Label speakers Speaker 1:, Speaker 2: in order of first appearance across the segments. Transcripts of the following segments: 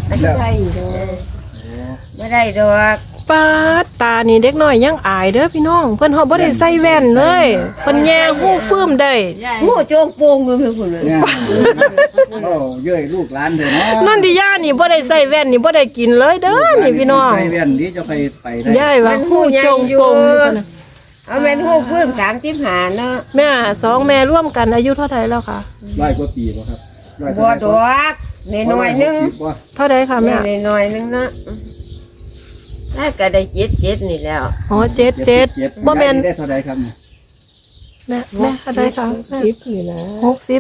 Speaker 1: ไม่ได้ดอกไม่ได้ดอก
Speaker 2: ปาดตานี่เด็กน้อยยังอายเด้อพี่น้องเพิ่นเฮาบ่ได้ใส่แว่นเลยเพิ่นแย่หู้ฟื้มได้
Speaker 1: หูโจงโปงอยู่เพิ่นพุ่นเลย
Speaker 3: เนี่ยโอ้เย้ยลูกหลานเถอะเนาะ
Speaker 2: นั่นที่ย่านี่บ่ได้ใส่แว่นนี่บ่ได้กินเลยเด้อนี่พี่น้อง
Speaker 3: ใส่แว่นนี้จะไปได้
Speaker 2: ยายว่าหู้จงปงนี่พุ่นน่ะ
Speaker 1: เอาแม่นหูฟื้น35เนาะ
Speaker 2: แม่สองแม่ร่วมกันอายุเท่าไหร่แล้วค่ะ
Speaker 3: 100 กว่าปีบ่ครับ100
Speaker 1: บ่ดอกน้อยๆนึง
Speaker 3: บ่
Speaker 2: เท่าไหร่ค่ะแม่
Speaker 1: น้อยๆนึงเนาะน่าก็ได้7นี่แล้ว
Speaker 2: อ๋อ77บ่แม่น
Speaker 3: ได้เท่าใดครับ
Speaker 2: แม่เท่าไหร่ค่ะ60นี่นะ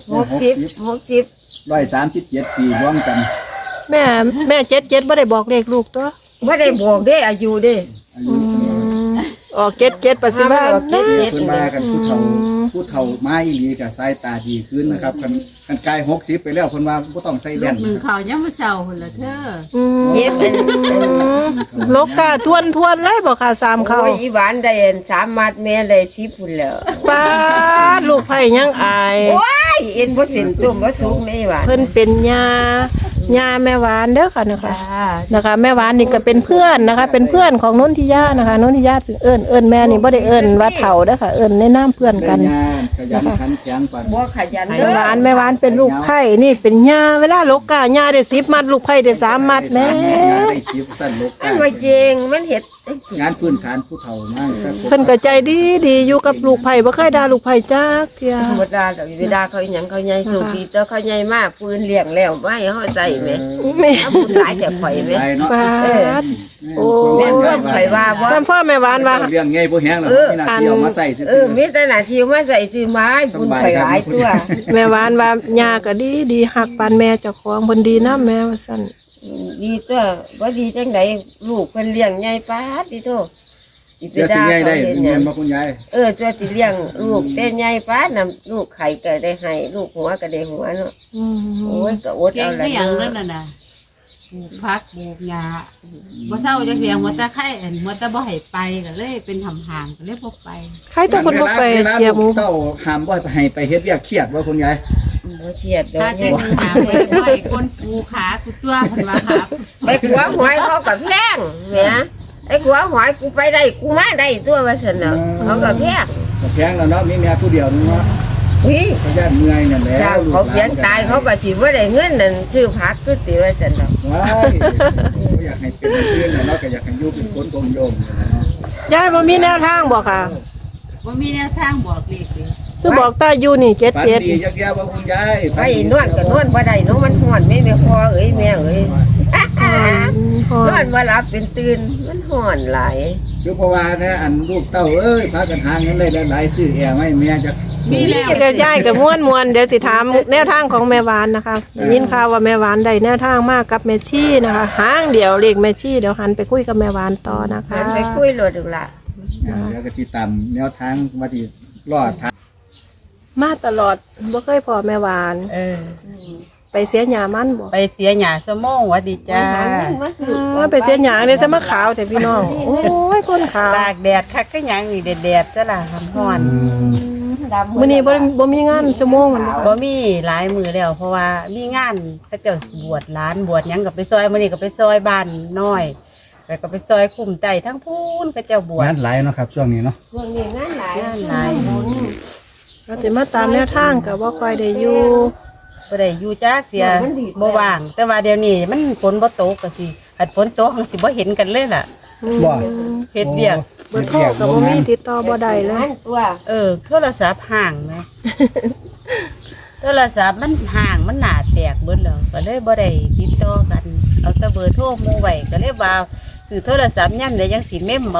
Speaker 2: 60
Speaker 1: 60
Speaker 3: 137 ปีรวมกัน
Speaker 2: แม่77บ่ได้บอกเลขลูกตัว
Speaker 1: บ่ได้บอกเด้อายุเด้
Speaker 3: อายุ
Speaker 2: ออก77ปัจจุบัน
Speaker 3: เพิ่นมากันผู้เฒ่ามาอีหลีก็สายตาดีขึ้นนะครับคันกาย60ไปแล้วเพิ่นว่าบ่ต้องใส่แว่น
Speaker 4: มึงเขายังมาเช้าคนละเธอ
Speaker 1: เจ็บเป็น
Speaker 2: โลกาทวนเลยบ่ค่ะ3เขา
Speaker 1: โอ้ยอีหวานได้3มัดแม่ได้10พุ่นแล้ว
Speaker 2: ป้าดลูกไผ่ยังอาย
Speaker 1: โอ้ยเอ็นบ่สินตุ่มบ่สุกแม่หวาน
Speaker 2: เพิ่นเป็นยาแม่หวานเด้อค่ะนะคะแม่หวานนี่ก็เป็นเพื่อนนะคะ เป็นเพื่อนของนนทิยานะคะนนทิยาเอิ้นแม่นี่บ่ได้เอิ้นว่าเฒ่าเด้อค่ะเอิ้นในนามเพื่อนกัน
Speaker 3: ขยันขันแข็งปาน
Speaker 1: บ่ขยัน
Speaker 2: แม่
Speaker 1: เด้อ
Speaker 2: หวานเป็นลูกไผ่นี่เป็นยาเวลาโลกายาได้10มัดลูกไผ่ได้3มัดแม่
Speaker 3: ได้10สั้นลก
Speaker 1: มันบ่จริงมันเฮ็ดจังซี่
Speaker 3: งานพื้นฐานผู้เฒ่ามาก
Speaker 2: เพิ่นก็ใจดีอยู่กับลูกไผ่บ่เคยด่าลูกไผ่จักเที่ย
Speaker 1: ธรรมดาดอกเวลาเขาอีหยังเขาใหญ่สุดีแต่เขาใหญ่มากปืนเลี้ยงแล้วไม่ให้เฮาใส่แม่
Speaker 2: แม่
Speaker 1: เอาบุญหลายแต่ข่อยแม่
Speaker 3: เนาะ
Speaker 2: ป้าด โอ้
Speaker 1: แม่นว่าข่อยว่าบ่
Speaker 2: ท่านพ่อแม่หวานว่า
Speaker 3: เรื่องไงบ่แห้งแล้วมีหน้าที่เอามาใส่ซื่
Speaker 1: เอ
Speaker 3: อ
Speaker 1: อมีแต่หน้าที่มาใส่ซื้อไม้บุญข่อยหลายตัว
Speaker 2: แม่หวานว่าญาก็ดีหักปานแม่เจ้าของเพิ่นดีนำแม่ว่าซั่น
Speaker 1: ดีตัวบ่ดีจังไดลูกเพิ่นเลี้ยงใหญ่ปานติโตสิ
Speaker 3: ๆ
Speaker 1: ไป
Speaker 3: เดี๋ยวสิ
Speaker 1: ด่า
Speaker 3: ใหญ่
Speaker 1: เขา
Speaker 3: ได้
Speaker 1: เฮ็ดห
Speaker 3: เงิ
Speaker 1: ยัง
Speaker 3: นบ่คุณยาย
Speaker 1: จะสิเลี้ยงลูกแต่ใหญ่ปานน่ะลูกไข่ก็ได้ให้ลูกหัวก็ได้หัวเนาะโอ้ยก็อด
Speaker 4: เก่
Speaker 1: เอา
Speaker 4: ง
Speaker 1: ละ
Speaker 4: ก็อย่างนั้น
Speaker 1: เนาะ
Speaker 4: น่ะปลูกพักปลูกหญ้าบ่เศร้าจังเสียงหัวตะไคร้หัวตะบ่ให้ไปก็เลยเป็นทำห่างก็เลยบ่ไป
Speaker 2: ใครแต่คนบ่ไปเสียหมู
Speaker 3: เต้าห้ามบ่ให้ไปเฮ็ดเวียกเครียดว่าคุณยาย
Speaker 1: บ่เฉียดดอ
Speaker 4: ถ้าก จะมีหาไปไว้คนปูขากูตัวเพิ่นว่าหา
Speaker 1: ไปขัวหอยเขาก็แพงแหมไอ้ขัวหอยกูไปได้กูมาได้ตัวว่าซั่นน่ะเขาก็แพง
Speaker 3: ก็แพงแล้วเนาะมีแม่ผู้เดียวนึงเนาะ
Speaker 1: อุ้ย
Speaker 3: ก็ย่านเมื่อยนั่นแหละ
Speaker 1: เจ้าเขาเขียนตายเขาก็สิบ่ได้เงินนั่นซื้อผักคือติว่าซั่นดอก
Speaker 3: ว้ายบ่อยากให้เป็นเพื่อนเนาะก็อยากให้อยู่เป็นคนกลมโยมนี่แหละเนาะ
Speaker 2: ยายบ่มีแนวทางบ่ค่ะ
Speaker 4: บ่มีแนวทางบอกเลขเลย
Speaker 2: คือบอกตาอยู่นี่
Speaker 3: ฝันดี
Speaker 2: 77
Speaker 3: จักแย่ว่าคุณยาย
Speaker 1: ไปนวดก็นวดบ่ได้เนาะมันฮ้อนแม่พ่อเอ้ยแม่เอ้ยนอนบ่หลับเป็นตื่นมันฮ้อนหลาย
Speaker 3: คือเพราะว่านะอันลูกเต้าเอ้ยพากันหาเงินได้หลายๆซื้อแอร์ให้แม่จัก
Speaker 4: มีแล้ว
Speaker 2: เดี๋ยวยายก็ม่วนๆเดี๋ยวสิถามแนวทางของแม่หวานนะคะได้ยินข่าวว่าแม่หวานได้แนวทางมากกับแม่ชี่นะคะหางเดียวเลขแม่ชี่เดี๋ยวหันไปคุยกับแม่หวานต่อนะคะ
Speaker 1: มันไปคุยโลดดูล่ะ
Speaker 3: แล้วก็สิตามแนวทางว่าสิรอดทาง
Speaker 2: มาตลอดบ่เคยพอแม่หวาน ไปเสียหญ้ามันบ่
Speaker 4: ไปเสียหญ้าสมองหวัดดีจ้า
Speaker 2: ไปเสียหญ้าเดี๋ยวจะมาขาวแต่พี่น้องโอ้ยคนขาว
Speaker 4: ตากแดดคักก็ยังนี่แดดๆซะล่ะฮ้อน
Speaker 2: มื้อนี้บ่มีงานชั่วโมงมันบ่
Speaker 4: บ่มีหลายมือแล้วเพราะว่ามีงานเขาเจ้าบวชหลานบวชหยังก็ไปซอยมื้อนี้ก็ไปซอยบ้านน้อยแล้วก็ไปซอยคุ้มใจทั้งพูนเขาเจ้าบวช
Speaker 3: งานหลายเนาะครับช่วงนี้เนาะ
Speaker 1: ช่วงนี้งานหลาย
Speaker 4: งานหลาย
Speaker 2: เราสิมาตามแนวทางก็บ่ค่อยได้อยู่
Speaker 4: บ่ได้อยู่จ้าเสียบ่ว่าง แต่ว่าเดี๋ยวนี้มันฝนบ่ตกก็สิหัดฝนตกมันสิบ่เห็นกันเลยล่ะ
Speaker 3: บ่
Speaker 4: เฮ็ดเวียก
Speaker 2: เบอร์โทรก็บ่มีติดต่อบ่ได้เลย
Speaker 1: งานตัว
Speaker 4: โทรศัพท์ห่างไหม โทรศัพท์มันห่างมันหนาแตกเบิดแล้วก็เลยบ่ได้ติดต่อกัน เอาแต่เบอร์โทรหมู่ไว้ก็เลยว่าซื้อโทรศัพท์ย่ำได้ยังสิเมมเอา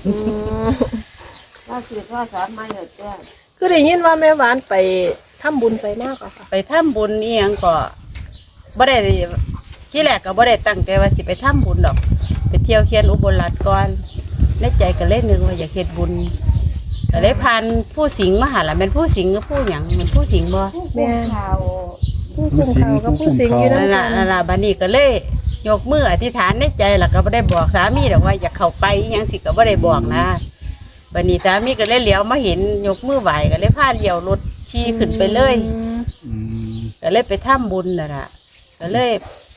Speaker 1: ว่าสิโทรศัพท์มาแล้วจ้ะ
Speaker 2: คือได้ยินว่าแม่หวานไปทำบุญใส่มากค่ะ
Speaker 4: ไปทำบุญนี่ยังก็บ่ได้ที่แรกก็บ่ได้ตั้งใจว่าสิไปทำบุญดอก ไปเที่ยวเขียนอุบลรัตน์ก่อนในใจก็เลยนึกว่าอยากเฮ็ดบุญก็เลยพานผู้สิงห์มาหาล่ะแม่นผู้สิงห์หรือผู้หยังแม่นผู้สิงห์บ่
Speaker 2: แม่
Speaker 1: ข่าว
Speaker 2: ผู้คุมเขากับผู้สิงอยู่
Speaker 4: นั่น
Speaker 2: นำ
Speaker 4: ล่ะ
Speaker 2: กัน
Speaker 4: นั่นล่ะบัดนี้ก็เลยยกมืออธิษฐานในใจแล้วก็บ่ได้บอกสามีดอกว่าอยากเข้าไปอิหยังสิก็บ่ได้บอกนะบัดนี้สามีก็เลยเหลียวมาเห็นยกมือไหวก็เลยพาเลี้ยวรถขี่ขึ้นไปเลย
Speaker 3: อืม
Speaker 4: ก็เลยไปทำบุญน่ะล่ะก็เลย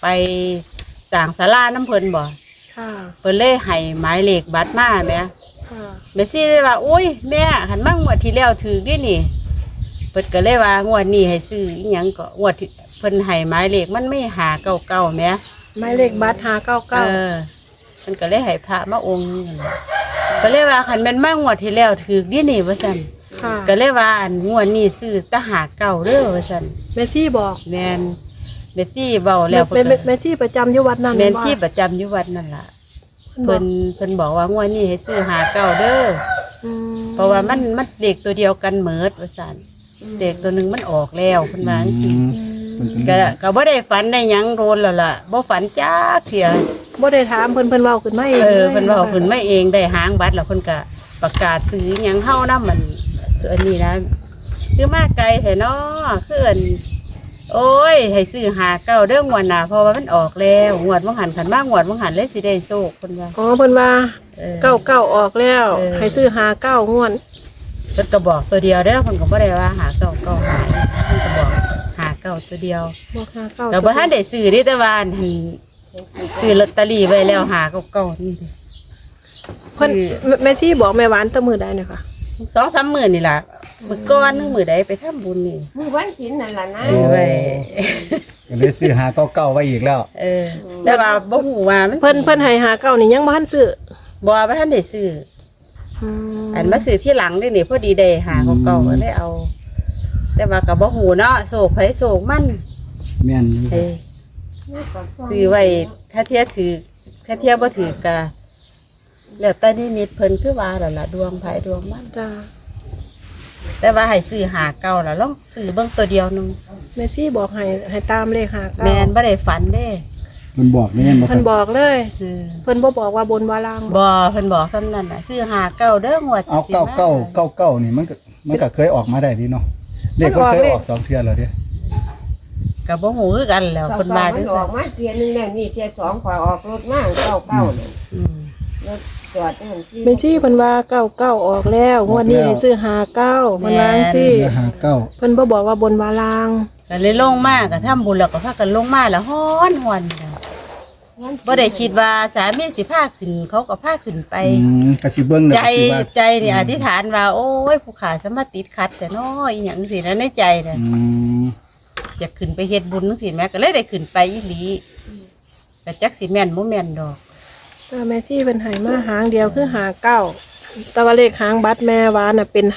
Speaker 4: ไปสร้างศาลาน้ำเพิ่นบ่
Speaker 2: ค่ะ
Speaker 4: เพิ่นเลยให้หมายเลขบัตรมาแหม
Speaker 2: ค่ะ
Speaker 4: แม่ซี่เลยว่าโอ้ยแม่หันมางวดที่แล้วถือดินี่เพิ่นก็เลยว่างวดนี้ให้ซื้ออีหยังก็งวดที่เพิ่นให้หมายเลขมันไม่หาเก้าเก้าแหม
Speaker 2: หมายเลขบัตร599
Speaker 4: เพิ่นก็เลยให้พระมาองค์นึงนั่นล่ะก็เลยว่าคันแม่นมางวดที่แล้วถือดินี่ว่าซั่น
Speaker 2: ค่ะ
Speaker 4: ก็เลยว่าอันงวดนี้ซื้อตะหาเก้าเด้อว่าซั่น
Speaker 2: แม่ซี่บอก
Speaker 4: แม่นแม่ซี่เว้าแล้วเพิ่นก็
Speaker 2: แม่ซี่ประจำอยู่วัดนั้น
Speaker 4: แม่น
Speaker 2: บ่
Speaker 4: ซี่ประจำอยู่วัดนั่นล่ะ
Speaker 2: เพิ่
Speaker 4: เพิ่นบอกว่างวดนี้ให้ซื้อหาเก้าเด้อ
Speaker 2: อืม
Speaker 4: เพราะว่ามันเด็กตัวเดียวกันเหมิดว่าซั่นเด็กตัวหนึงมันออกแล้วเพิ่นว่าจังซี่
Speaker 3: มันเป็น
Speaker 4: ก็บ่ได้ฝันได้หยังโดนแล้วล่ะบ่ฝันจักเที่ย
Speaker 2: บ่ได้ถามเพิ่นเว้าขึ้นมาเอง
Speaker 4: เพิ่นเว้าเพิ่นมาเองได้หางบัตรแล้วเพิ่นก็ประกาศซื้อหยังเฮานำมันซื้ออันนี้นะคือมาไกลแท้เนาะคืออันโอ้ยให้ซื้อหาเก้าเด้องวดหน้าเพราะว่ามันออกแล้วงวดบ่หันคันมางวดบ่หันเลยสิได้โชคเพิ่นว่า
Speaker 2: อ๋อเพิ่นว่า 99ออกแล้ว
Speaker 4: เออ
Speaker 2: ให้ซื้อ59งวด
Speaker 4: เพิ่นก็บอกตัวเดียวเด้อเพิ่นก็บ่ได้ว่าหาเก้าเก้าหาเพิ่นก็บอกหาเก้าตัวเดียว
Speaker 2: บอก59
Speaker 4: แต่บ่ทันได้ซื้อเด้แต่ว่าอันซื้อลอตเตอรี่ไว้แล้วหาเก้าเก้านี่ดิ
Speaker 2: เพิ่นแม่ซี่บอกแม่หวานแตะมื้อใดเนี่ยค่ะ
Speaker 4: 2-3 มื้อนี่ล่ะมื้อก่อนนึงมื้อใดไปทำบุญนี่
Speaker 1: มือวันศีลนั่นล่ะนะ
Speaker 4: ไว้
Speaker 3: ก็เลยซื้อหาเก่าๆไว้อีกแล้ว
Speaker 4: แต่ว่าบ่ฮู้ว่ามัน
Speaker 2: เพิ่นให้59นี่ยังบ่ทันซื้อ
Speaker 4: บ่ทันได้ซื้อ
Speaker 2: อืม
Speaker 4: อันมาซื้อที่หลังนี่นี่พอดีได้หาเก่าๆก็เลยเอา แต่ว่าก็บ่ฮู้เนาะโศกไผโศกมัน
Speaker 3: แม่นอยู่
Speaker 4: เอ้ยซื้อไว้ถ้าเทียถือถ้าเทียบ่ถือก็แล้วแต่นิมิตเพิ่นคือว่าแล้วล่ะดวงไผดวงมัน
Speaker 2: จ้า
Speaker 4: แต่ว่าให้ซื้อหาเก่าแล้วลองซื้อเบิ่งตัวเดียวนึง
Speaker 2: แม่ซี่บอกให้ตามเลข59
Speaker 4: แม่นบ่ได้ฝันเด้
Speaker 3: เพิ่นบอกแม่นบ่ค
Speaker 2: เพิ่
Speaker 3: รั
Speaker 2: น
Speaker 3: บ
Speaker 2: บอกเลย
Speaker 4: เออ
Speaker 2: เพิ่นบ่บอกว่าบนว่าล่าง
Speaker 4: บ่เพิ่นบอกซำนั้นน่ะซื้อหาเก่าเด้องวด
Speaker 3: เอา
Speaker 4: สิม
Speaker 3: เก้านี่มันก็เคยออกมาได้ดีเนาะเลขก็เคยออก2เทื่อแล้วเด้
Speaker 4: ก็บ่ฮู้คือกันแล้ว
Speaker 1: เก้า
Speaker 4: เพิ่น
Speaker 1: เก้า
Speaker 4: ว่า
Speaker 1: มั
Speaker 4: จั
Speaker 1: น
Speaker 4: ง
Speaker 1: อ
Speaker 4: ซั่
Speaker 1: อน กมาเทียนึงแล้วนี่เทียสองขอยออกรถมาเก้าเนี่ย
Speaker 4: อืม
Speaker 1: รถจอดนั่นที่
Speaker 2: แม่ซี่เพิ่นว่า99ออกแล้วงวดนี้ให้ซื้อ59เพิ่นว่าจังซี่
Speaker 3: ซื้อหาเก้า
Speaker 2: เพิ่นบ่บอกว่าบนว่าล่าง
Speaker 4: ก็เลยลงมาก็ทำบุญแล้วก็พากันลงมาแล้วฮ้อนหวนบ่ได้คิดว่าสามีสิพาขึ้นเขาก็พาขึ้นไป
Speaker 3: ก็สิเบิ่งแล้ว
Speaker 4: ใจ
Speaker 3: ก็สิว่า
Speaker 4: ใจนี่อธิษฐานว่า โอ้ยผู้ขาสมาติดขัดแต่น้อยอหย่างสินะในใจน่ะ
Speaker 3: อืม
Speaker 4: จะขึ้นไปเฮ็ดบุญจังซี่แม่ก็เลยได้ขึ้นไปอีหลีแต่จักสิแม่นบ่แม่นดอก
Speaker 2: แต่แม่ซี่เพิ่นให้มาหางเดียวคือ59แต่ว่าเลขหางบัตรแม่หวานน่ะเป็น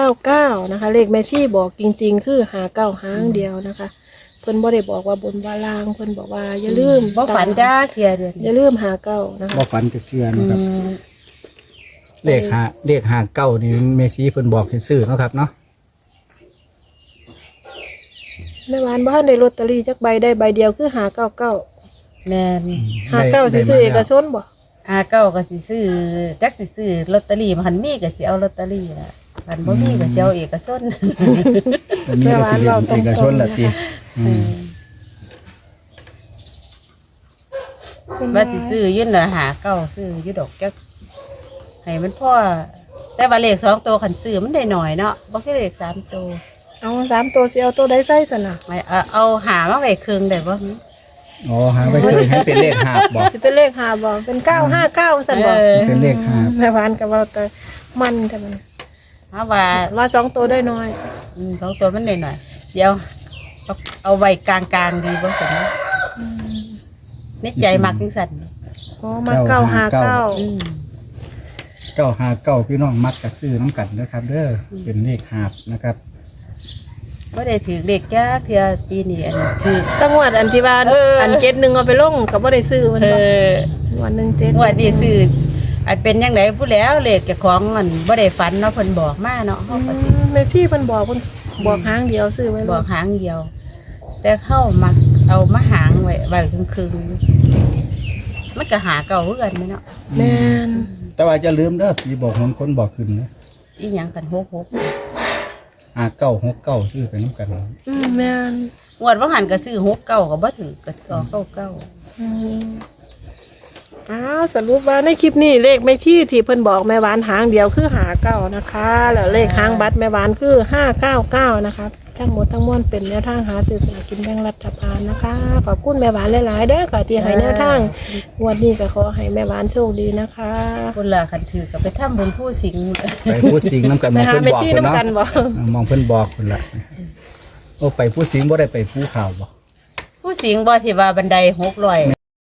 Speaker 2: 599นะคะเลขแม่ซี่บอกจริงๆคือ59หางเดียวนะคะเพิ่นบ่ได้บอกว่าบนว่าล่างเพิ่นบอกว่าอย่าลืม
Speaker 4: บ่ฝันจ้าเทียเดือน
Speaker 2: อย่าลืม59นะคะ
Speaker 3: บ่ฝันจะเทื่อนะครับเลขหาเก้านี่เมซี่เพิ่นบอกให้ซื้อเนาะครับเนาะ
Speaker 2: แม่หวานบ่ทันได้ลอตเตอรี่จักใบได้ใบเดียวคือ599
Speaker 4: แม่น
Speaker 2: 59สิซื้อเอกชนบ่
Speaker 4: เก้าก็สิซื้อจักสิซื้อลอตเตอรี่มันมีก็สิเอาลอตเตอรี่ล่ะคันบ่มีก็สิเอาเอกชน
Speaker 3: อันนี้ก็สิเป็นเอกชนละติ
Speaker 4: ว่าสิซื้อยื่นเหลือหาเก้าซื้ออยู่ดอกจักให้มันพ่อแต่ว่าเลข2ตัวคันซื้อมันได้หน่อยเนาะบ่คือเลข3ตัว
Speaker 2: เอา3ตัวสิเอาตัวใดใส่ซั่นน่ะ
Speaker 4: ไม่เอาหามาไว้ครึ่งได้บ่
Speaker 3: อ๋อหาไว้เคยให้เป็นเลขหาบบอก
Speaker 2: สิเป็นเลข5บ่เป็น959ซั่นบ่
Speaker 3: เป็นเลขหาบ
Speaker 2: แม่หวานก็เว้าแต่มันแต่มัน
Speaker 4: เพราะว่า
Speaker 2: ว่า2ตัวได้น้อย
Speaker 4: 2ตัวมันได้หน่อยเดี๋ยวเอาไว้กลางๆดีบ่ซั่นในใจมักจังซั่น
Speaker 2: อ๋อมา959
Speaker 4: อืม
Speaker 3: 959พี่น้องมักจะซื้อน้ำกันนะครับเด้อเป็นเลขหาบนะครับ
Speaker 4: บ่ได้ถือเลขจักเทื่อปีนี้อันถือ
Speaker 2: ตั้งวดอันที่ว่า
Speaker 4: เอออั
Speaker 2: อัน71เอาไปลงก็บ่ได้ซื้อมัน
Speaker 4: เอ
Speaker 2: บ่
Speaker 4: อ
Speaker 2: วัน17
Speaker 4: งวดนี้ซื้ออันเป็นจังไดผู้แล้วเลขเจ้าของมันบ่ได้ฝันเนาะเพิ่นบอกมาเนาะเฮาก็สิ
Speaker 2: แม่ซี่เพิ่นบอกเพิ่นบอกหางเดียวซื้อไว้
Speaker 4: บอกหางเดียว แต่เข้ามาเอามาหางไว้ครึ่งๆมันก็หาเก่าคือกันไหมเนาะ
Speaker 2: แม่น
Speaker 3: แต่ว่าจะลืมเด้อผีบอกคนบอกขึ้นนะ
Speaker 4: อีหยังกัน6
Speaker 3: 5969ซื้อไปน้ำกัน
Speaker 2: แม่น
Speaker 4: งวดว่าหันก็ซื้อ6 9ก็บ่ถือก็9
Speaker 2: อืมอ้าวสรุปว่าในคลิปนี้เลขแม่ชี่ที่เพิ่นบอกแม่หวานหางเดียวคือ59นะคะแล้วเลขหางบัตรแม่หวานคือ599นะคะทั้งหมดทั้งมวลเป็นแนวทางหาซื้อสลากกินแบ่งรัฐบาลนะคะขอบคุณแม่หวานหลายๆเด้อค่ะที่ให้แนวทางงวดนี้ก็ขอให้แม่หวานโชคดีนะคะ
Speaker 4: คนละคันถือก็ไปทำบุญผู้สิงห์
Speaker 3: ไปพูดสิงน้ำกัน
Speaker 2: ไป
Speaker 3: มอง
Speaker 2: หา
Speaker 3: เพิ่น
Speaker 2: แม่
Speaker 3: บอก
Speaker 2: ชี
Speaker 3: เพิ่นเนาะ
Speaker 2: น้ำกันบ่
Speaker 3: มองเพิ่นบอกเพิ่นละโอ้ไปพูดสิงบ่ได้ไปภูเขาบ่
Speaker 4: ผู้สิงห์บ่ที่ว่าบันได600